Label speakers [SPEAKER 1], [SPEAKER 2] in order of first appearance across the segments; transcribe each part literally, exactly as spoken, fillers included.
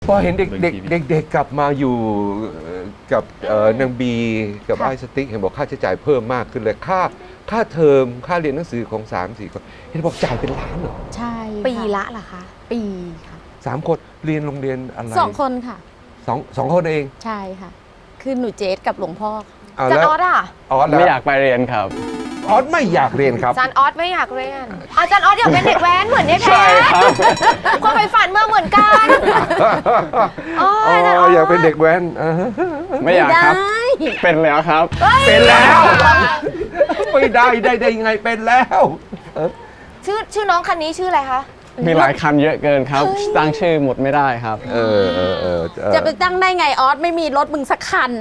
[SPEAKER 1] พอเห็นเด็กเด็กเด็กเด็กกลับมาอยู่กับนางบีกับไอ้สติ๊กเห็นบอกค่าใช้จ่ายเพิ่มมากขึ้นเลยค่าค่าเทอมค่าเรียนหนังสือของสามสี่คนเห็นบอกจ่ายเป็นล้านเหรอ
[SPEAKER 2] ใช่
[SPEAKER 3] ปีละเหรอคะ
[SPEAKER 2] ปีค่ะ
[SPEAKER 1] สามคนเรียนโรงเรียนอะไร
[SPEAKER 2] สองคนค่ะ
[SPEAKER 1] สองสองคนเอง
[SPEAKER 2] ใช่ค่ะคือหนูเจสกับหลวงพ่อ
[SPEAKER 3] จานออสอ่ะ
[SPEAKER 1] ออส
[SPEAKER 4] ไม่อยากไปเรียนครับ
[SPEAKER 1] ออสไม่อยากเรียนครับ
[SPEAKER 3] จานออสไม่อยากเรียนอาจารย์ออสอยากเป็นเด็กแว้นเหมือนเนี่ยแพ้ความไปฝันเมื่อเหมือนกัน
[SPEAKER 1] อ๋ออยากเป็นเด็กแว้น
[SPEAKER 4] ไม่อยากครับเป็นแล้วครับ
[SPEAKER 1] เป็นแล้วไม่ได้ได้ได้ยังไงเป็นแล้ว
[SPEAKER 3] ชื่อชื่อน้องคันนี้ชื่ออะไรคะ
[SPEAKER 4] มีหลายคันเยอะเกินครับตั้งชื่อหมดไม่ได้ครับ
[SPEAKER 1] เออเออเออ
[SPEAKER 2] จะไปตั้งได้ไงออสไม่มีรถมึงสักคัน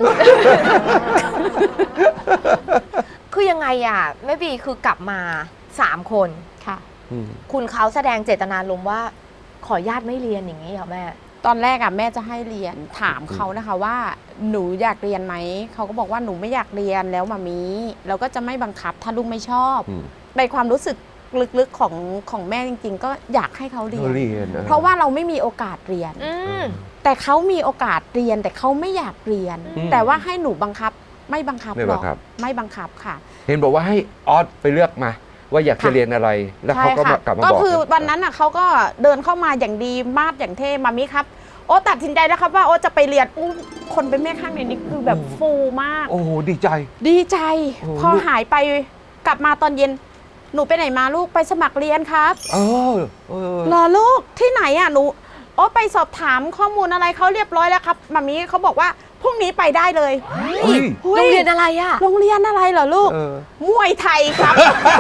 [SPEAKER 3] คือยังไงอ่ะแม่บีคือกลับมาสามคน
[SPEAKER 2] ค่ะ
[SPEAKER 3] คุณเขาแสดงเจตนารมณ์ว่าขอญาติไม่เรียนอย่างนี้เหรอแม่
[SPEAKER 2] ตอนแรกอ่ะแม่จะให้เรียนถามเขานะคะว่าหนูอยากเรียนไหมเขาก็บอกว่าหนูไม่อยากเรียนแล้วมามีเราก็จะไม่บังคับถ้าลูกไม่ชอบในความรู้สึกลึกๆของของแม่จริงๆก็อยากให้เขาเรียนเพราะว่าเราไม่มีโอกาสเรียนแต่เขามีโอกาสเรียนแต่เขาไม่อยากเรียนแต่ว่าให้หนูบังคับไม่บังคับหรอกไม่บังคับค่ะ
[SPEAKER 1] เห็นบอกว่าให้ออสไปเลือกมาว่าอยากจะเรียนอะไรแล้วเขาก็กลับมาบอก
[SPEAKER 2] ก็คือวันนั้นอ่ะเขาก็เดินเข้ามาอย่างดีมาดอย่างเท่มามิครับโอ้ตัดสินใจแล้วครับว่าโอ้จะไปเรียนคนเป็นแม่ข้างในนี้คือแบบฟูมาก
[SPEAKER 1] โอ้ดีใจ
[SPEAKER 2] ดีใจพอหายไปกลับมาตอนเย็นหนูไปไหนมาลูกไปสมัครเรียนครับ
[SPEAKER 1] เออ
[SPEAKER 2] รอลูกที่ไหนอ่ะหนูโอ้ไปสอบถามข้อมูลอะไรเขาเรียบร้อยแล้วครับมามิเขาบอกว่าพรุ่งนี้ไปได้เลย
[SPEAKER 3] โรงเรียนอะไรอะ
[SPEAKER 2] โรงเรียนอะไรเหรอลูกมวยไทยครับ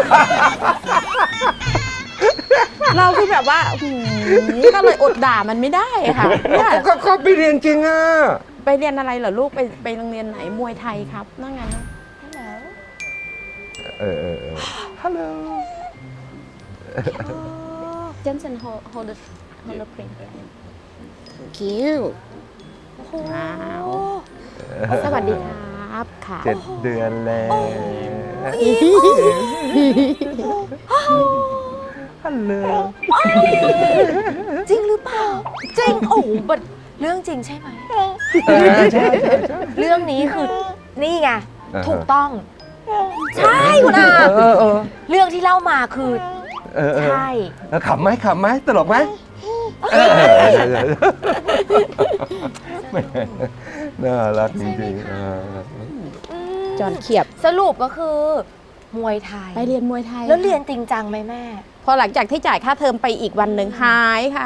[SPEAKER 2] เราคือแบบว่าก็เลยอดด่ามันไม่ได้ค่ะ
[SPEAKER 1] ก็ก็ไปเรียนจริงอ่ะ
[SPEAKER 2] ไปเรียนอะไรเหรอลูกไปไปโรงเรียนไหนมวยไทยครับนั่งไงนะ
[SPEAKER 1] เออเออฮัลโหล
[SPEAKER 2] เจนเซนโฮโฮเดโฮเดพริงคิวว้าวสวัสดีครับค่ะ
[SPEAKER 1] เจ็ดเดือนแล้วฮัลโหล
[SPEAKER 3] จริงหรือเปล่าจริงโอ้บัดเรื่องจริงใช่ไหม
[SPEAKER 1] ใช่
[SPEAKER 3] เรื่องนี้คือนี่ไงถูกต้องใช่คุณอาเรื่องที่เล่ามาคือใช่
[SPEAKER 1] ขำไหมขำไหมตลกไหมน่ารักจริง
[SPEAKER 2] ๆจอนเขียบ
[SPEAKER 3] สรุปก็คือมวยไทย
[SPEAKER 2] ไปเรียนมวยไทย
[SPEAKER 3] แล้วเรียนจริงจังไหมแม่
[SPEAKER 2] พอหลังจากที่จ่ายค่าเทอมไปอีกวันหนึ่งหายค่ะ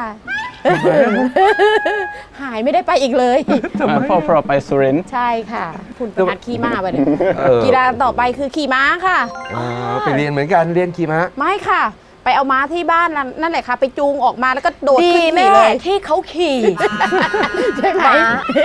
[SPEAKER 2] หายไม่ได้ไปอีกเลย
[SPEAKER 4] พ่อพอไปสุรินทร์
[SPEAKER 2] ใช่ค่ะคุณประหัดขี่ม้าไปเลยกีฬาต่อไปคือขี่ม้าค่ะ
[SPEAKER 1] ไปเรียนเหมือนกันเรียนขี่ม้า
[SPEAKER 2] ไม่ค่ะไปเอาม้าที่บ้านนั่นแหละค่ะไปจูงออกมาแล้วก็โดดขึ้นขี่เลย
[SPEAKER 3] ที่เขาขี่
[SPEAKER 2] ใช่ไหม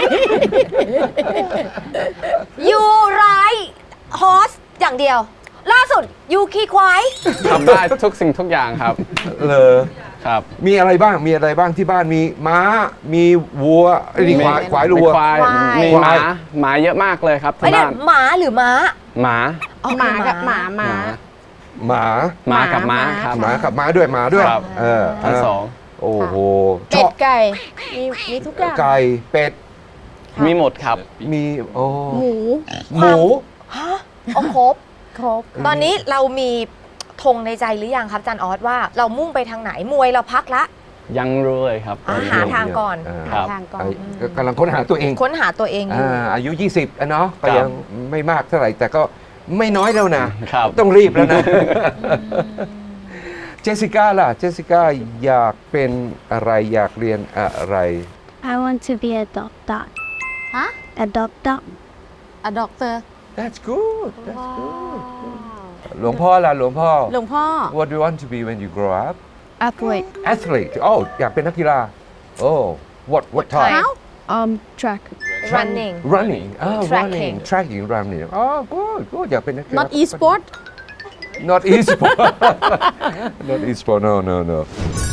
[SPEAKER 3] ยูไรฮอสอย่างเดียวล่าสุดยูขี่ควาย
[SPEAKER 4] ทำได้ทุกสิ่งทุกอย่างครับ
[SPEAKER 1] เลย
[SPEAKER 4] ครับ
[SPEAKER 1] มีอะไรบ้างมีอะไรบ้างที่บ้านมีม้ามีวัวมีควายควายวัว
[SPEAKER 4] มีหมาหมาเยอะมากเลยครับที่บ้าน
[SPEAKER 3] หมาหรือม้า
[SPEAKER 4] หมา
[SPEAKER 2] หมากับหมาหมา
[SPEAKER 1] หมา
[SPEAKER 4] หมากับม้าครับ
[SPEAKER 1] หมากับม้าด้วยหมาด้วยเออ
[SPEAKER 4] ทั้งสอง
[SPEAKER 1] โอ้โห
[SPEAKER 2] เป็ดไก่มีมีทุกอย่าง
[SPEAKER 1] ไก่เป็ด
[SPEAKER 4] มีหมดครับ
[SPEAKER 1] มีโอ้
[SPEAKER 2] หมู
[SPEAKER 1] หมู
[SPEAKER 3] ฮะเอาครบ
[SPEAKER 2] ครบ
[SPEAKER 3] ตอนนี้เรามีธงในใจหรือยังครับอาจารย์ออสว่าเรามุ่งไปทางไหนมวยเราพักละ
[SPEAKER 4] ยังรู้เลยครับ
[SPEAKER 3] หาทางก่อน
[SPEAKER 2] หาทางก่อน
[SPEAKER 1] กำลังค้นหาตัวเอง
[SPEAKER 3] ค้นหาตัวเองอยู่
[SPEAKER 1] อายุยี่สิบอ่ะเนาะก็ยังไม่มากเท่าไหร่แต่ก็ไม่น้อยแล้วนะต้องรีบแล้วนะเจสสิก้าล่ะเจสสิก้าอยากเป็นอะไรอยากเรียนอะไร
[SPEAKER 5] I want to be a doctor
[SPEAKER 2] ฮะ
[SPEAKER 5] a doctor
[SPEAKER 2] a doctor
[SPEAKER 1] That's good That's good หลวงพ่อล่ะหลวงพ่อ
[SPEAKER 2] หลวงพ่อ
[SPEAKER 1] What do you want to be when you grow up
[SPEAKER 5] athlete
[SPEAKER 1] athlete oh อยากเป็นนักกีฬา Oh what what type
[SPEAKER 5] um track
[SPEAKER 3] running
[SPEAKER 1] running oh running tracking running oh good good อยากเป็นนักกีฬา
[SPEAKER 2] not e-sport
[SPEAKER 1] not e-sport not e-sport no no no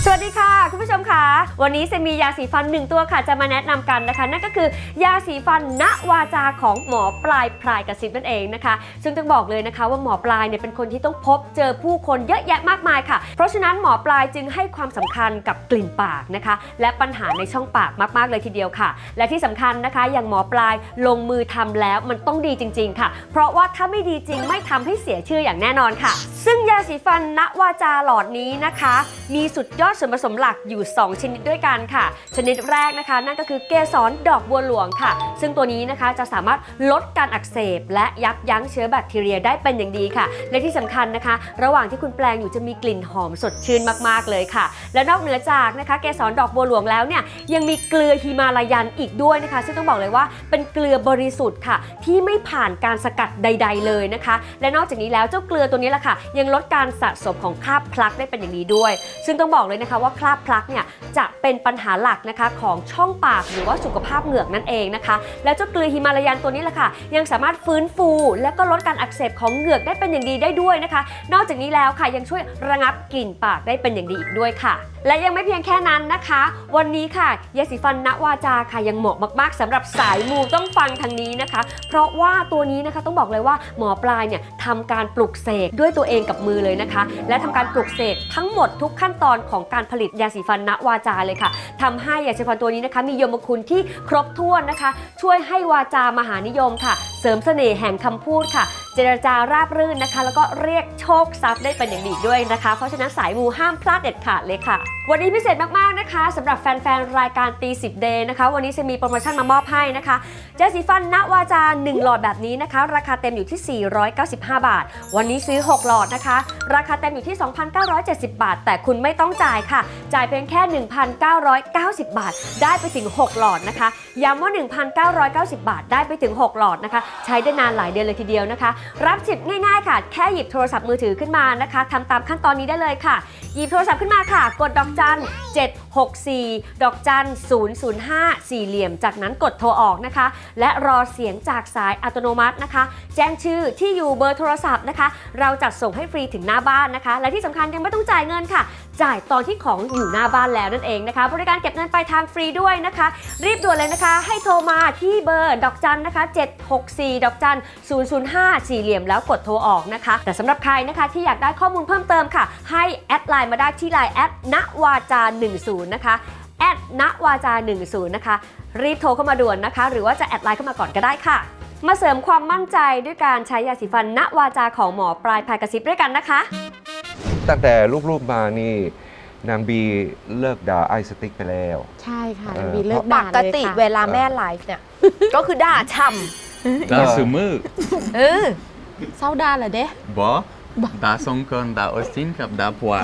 [SPEAKER 6] สวัสดีค่ะคุณผู้ชมค่ะวันนี้เซมียาสีฟันหนึ่งตัวค่ะจะมาแนะนำกันนะคะนั่นก็คือยาสีฟันณวาจาของหมอปลายพลายกระซิบนั่นเองนะคะซึ่งต้องบอกเลยนะคะว่าหมอปลายเนี่ยเป็นคนที่ต้องพบเจอผู้คนเยอะแยะมากมายค่ะเพราะฉะนั้นหมอปลายจึงให้ความสำคัญกับกลิ่นปากนะคะและปัญหาในช่องปากมากๆเลยทีเดียวค่ะและที่สำคัญนะคะอย่างหมอปลายลงมือทำแล้วมันต้องดีจริงๆค่ะเพราะว่าถ้าไม่ดีจริงไม่ทำให้เสียชื่ออย่างแน่นอนค่ะซึ่งยาสีฟันณวาจาหลอดนี้นะคะมีสุดยอดส่วนผสมหลักอยู่สองชนิดด้วยกันค่ะชนิดแรกนะคะนั่นก็คือเกสรดอกบัวหลวงค่ะซึ่งตัวนี้นะคะจะสามารถลดการอักเสบและยับยั้งเชื้อแบคทีเรียได้เป็นอย่างดีค่ะและที่สำคัญนะคะระหว่างที่คุณแปลงอยู่จะมีกลิ่นหอมสดชื่นมากๆเลยค่ะและนอกเหนือจากนะคะเกสรดอกบัวหลวงแล้วเนี่ยยังมีเกลือฮิมาลายันอีกด้วยนะคะซึ่งต้องบอกเลยว่าเป็นเกลือบริสุทธิ์ค่ะที่ไม่ผ่านการสกัดใดๆเลยนะคะและนอกจากนี้แล้วเจ้าเกลือตัวนี้แหละค่ะยังลดการสะสมของคราบพลักได้เป็นอย่างดีด้วยซึ่งต้องบอกเลยนะคะว่าคราบพลักเนี่ยจะเป็นปัญหาหลักนะคะของช่องปากหรือว่าสุขภาพเหงือกนั่นเองนะคะแล้วเจ้าเกลือฮิมาลายันตัวนี้แหละค่ะยังสามารถฟื้นฟูและก็ลดการอักเสบของเหงือกได้เป็นอย่างดีได้ด้วยนะคะนอกจากนี้แล้วค่ะยังช่วยระงับกลิ่นปากได้เป็นอย่างดีอีกด้วยค่ะและยังไม่เพียงแค่นั้นนะคะวันนี้ค่ะยาสีฟันณวาจาค่ะยังเหมาะมากๆสำหรับสายมูต้องฟังทางนี้นะคะเพราะว่าตัวนี้นะคะต้องบอกเลยว่าหมอปลายเนี่ยทำการปลุกเสกด้วยตัวเองกับมือเลยนะคะและทำการปลุกเสกทั้งหมดทุกขั้นตอนของการผลิตยาสีฟันณวาจาเลยค่ะทำให้ยาสีฟันตัวนี้นะคะมียมคุณที่ครบถ้วนนะคะช่วยให้วาจามหานิยมค่ะเสริมเสน่ห์แห่งคำพูดค่ะเจรจาราบรื่นนะคะแล้วก็เรียกโชคทรัพย์ได้เป็นอย่างดีด้วยนะคะเพราะฉะนั้นสายมูห้ามพลาดเด็ดขาดเลยค่ะวันนี้พิเศษมากๆนะคะสำหรับแฟนๆรายการตีสิบเดย์นะคะวันนี้จะมีโปรโมชั่นมามอบให้นะคะยาสีฟันณวาจาหนึ่งหลอดแบบนี้นะคะราคาเต็มอยู่ที่สี่ร้อยเก้าสิบห้าบาทวันนี้ซื้อหกหลอดนะคะราคาเต็มอยู่ที่ สองพันเก้าร้อยเจ็ดสิบ บาทแต่คุณไม่ต้องจ่ายค่ะจ่ายเพียงแค่ หนึ่งพันเก้าร้อยเก้าสิบ บาทได้ไปถึงหกหลอดนะคะย้ำว่า หนึ่งพันเก้าร้อยเก้าสิบ บาทได้ไปถึงหกหลอดนะคะใช้ได้นานหลายเดือนเลยทีเดียวนะคะรับสิทธิ์ง่ายๆค่ะแค่หยิบโทรศัพท์มือถือขึ้นมานะคะทำตามขั้นตอนนี้ได้เลยค่ะหยิบโทรศัพท์ขึ้นมาค่ะกดดอกจันเจ็ดหกสี่ดอกจันศูนย์ ศูนย์ ห้า สี่เหลี่ยมจากนั้นกดโทรออกนะคะและรอเสียงจากสายอัตโนมัตินะคะแจ้งชื่อที่อยู่เบอร์โทรศัพท์นะคะเราจัดส่งให้ฟรีถึงหน้าบ้านนะคะและที่สำคัญยังไม่ต้องจ่ายเงินค่ะจ่ายตอนที่ของอยู่หน้าบ้านแล้วนั่นเองนะคะบริการเก็บเงินปลายทางฟรีด้วยนะคะรีบด่วนเลยนะคะให้โทรมาที่เบอร์ดอกจันนะคะเจ็ดหกสี่ดอกจันศูนย์ ศูนย์ ห้า สี่เหลี่ยมแล้วกดโทรออกนะคะแต่สำหรับใครนะคะที่อยากได้ข้อมูลเพิ่มเติมค่ะให้แอดไลน์มาได้ที่ไลน์แอดณวาจาหนึ่งศูนย์นะคะแอดณวาจาหนึ่งศูนย์นะคะรีบโทรเข้ามาด่วนนะคะหรือว่าจะแอดไลน์เข้ามาก่อนก็ได้ค่ะมาเสริมความมั่นใจด้วยการใช้ยาสีฟันณวาจาของหมอปลายพายกระซิบด้วยกันนะคะ
[SPEAKER 1] ตั้งแต่ลูกๆมานี่นางบีเลิกด่าไอสติ๊กไปแล้ว
[SPEAKER 2] ใช่ค่ะ
[SPEAKER 1] เออ
[SPEAKER 2] มีเลิก
[SPEAKER 3] ป
[SPEAKER 2] ด่าก เลย
[SPEAKER 3] ติ
[SPEAKER 2] ค่ะ
[SPEAKER 3] เวลาแม่ไลฟ์เนี่ย ก็คือด่าช่
[SPEAKER 1] เออ
[SPEAKER 7] Da sumur
[SPEAKER 3] ำเออ
[SPEAKER 2] เศร้าด่าเหรอเด้
[SPEAKER 7] บ่ดาสงกรดาออสตินกับดาพัว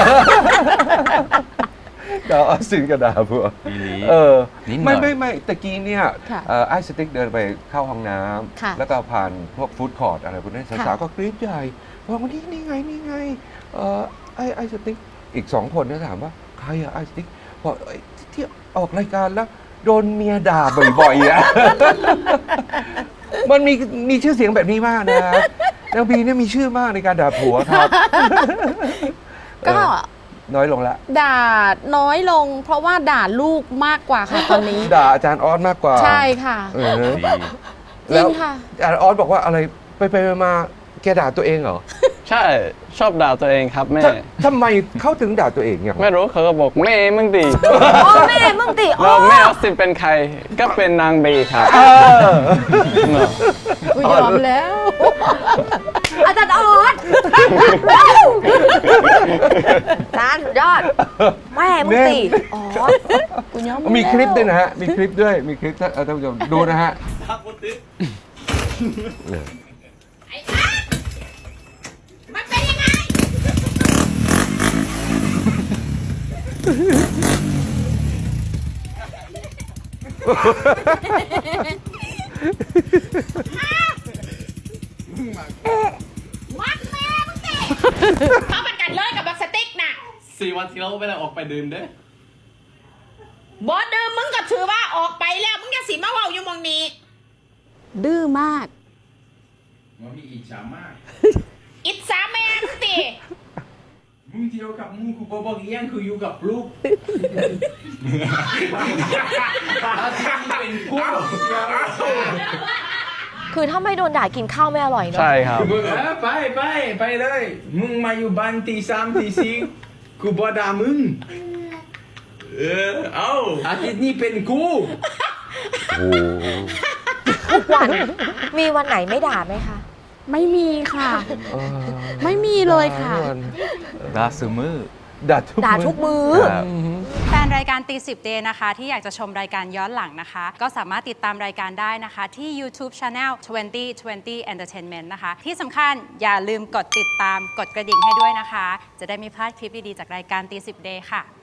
[SPEAKER 1] ด่าออสตินกับด่าพวก
[SPEAKER 7] อีหลี
[SPEAKER 1] เออ
[SPEAKER 7] นิดหน่
[SPEAKER 1] ไม่
[SPEAKER 7] อย
[SPEAKER 1] ไม่ไม่ตะกี้เนี่ย
[SPEAKER 2] ค่ะ
[SPEAKER 1] เอ่อไอสติ๊กเดินไปเข้าห้องน้
[SPEAKER 2] ค่ะ
[SPEAKER 1] ำแล้วก็ผ่านพวกฟู้ดคอร์ทอะไรพวกนั้นสา
[SPEAKER 2] ค่ะ
[SPEAKER 1] วๆก็กรี๊ดใหญ่บอกว่านี่นี่ไงนี่ไงเอ่อไอไอสติ๊กอีกสองคนเนี่ยถามว่าใครอะไอสติ๊กบอกเอ้ยที่ออกรายการแล้วโดนเมียด่าบ่อยๆอะ มันมีมีชื่อเสียงแบบนี้มากนะนางบีเนี่ยมีชื่อมากในการด่าผัวครับ
[SPEAKER 2] ก็
[SPEAKER 1] เออน้อยลงละ
[SPEAKER 2] ด่าน้อยลง เพราะว่าด่าลูกมากกว่าค่ะตอนนี้
[SPEAKER 1] ด่าอาจารย์ออสมากกว่า
[SPEAKER 2] ใช่ค่ะ
[SPEAKER 1] เออ
[SPEAKER 7] ดี
[SPEAKER 2] จริงค่ะ
[SPEAKER 1] อาจารย์ออสบอกว่าอะไรไปไปมาแกด่าตัวเองเหรอ
[SPEAKER 4] ใช่ชอบด่าตัวเองครับแม่
[SPEAKER 1] ทำทำไมเขาถึงด่าตัวเองเนี่ย
[SPEAKER 4] ไม่รู้เขาก็บอกแม่มึงดี
[SPEAKER 3] โอ้แม่มึงติโอ้
[SPEAKER 4] แล้วแม่ออสตินเป็นใครก็เป็นนางบีครับ
[SPEAKER 1] เออ
[SPEAKER 2] กูยอมแล้ว
[SPEAKER 3] อาจารย์ออสจานสุดยอด แม่มึงติอ๋อ
[SPEAKER 2] กูยอม
[SPEAKER 1] มีคลิปด้วยนะฮะ มีคลิปด้วย มีคลิปท่านท่านผู้ชมดูนะฮะ
[SPEAKER 8] เขาเป็นกันเลยกับบักสติ๊กน่ะ
[SPEAKER 4] สี่วันที่เราไม่ได้ออกไปดื่มเด้
[SPEAKER 8] บอสเดิมมึงก็ถือว่าออกไปแล้ว มึงจะสิมาเว่าอยู่หมองนี้
[SPEAKER 2] ดื้อมาก
[SPEAKER 8] อิจฉาแม่มึงติ
[SPEAKER 9] มึงเที่ยวกับมึงกูบอกบอกอีกอย่างคืออยู่กับลูกอาจารย์เป็นกู
[SPEAKER 3] คือถ้าไม่โดนด่ากินข้าวไม่อร่อยเนาะ
[SPEAKER 4] ใช่ครับ
[SPEAKER 9] เออไปไปไปเลย มึงมาอยู่บ้านตีสามตีสี่กูบอกด่ามึงเออเอาอาทิตย์นี้เป็นกู
[SPEAKER 1] โอ้
[SPEAKER 3] ทุกวันมีวันไหนไม่ด่าไหมคะ
[SPEAKER 2] ไม่มีค่ะ
[SPEAKER 1] เออ
[SPEAKER 2] ไม่มีเลยค่ะ
[SPEAKER 7] ดาซูมือ
[SPEAKER 1] ด่าทุก
[SPEAKER 3] ด่าทุกมื้อ
[SPEAKER 1] ครับ
[SPEAKER 10] แฟนรายการตีสิบเดย์นะคะ ที่อยากจะชมรายการย้อนหลังนะคะ ก็สามารถติดตามรายการได้นะคะ ที่ YouTube Channel ยี่สิบ ยี่สิบ Entertainment นะคะ ที่สำคัญอย่าลืมกดติดตามกดกระดิ่งให้ด้วยนะคะ จะได้ไม่พลาดคลิปดี ๆ จากรายการตีสิบเดย์ค่ะ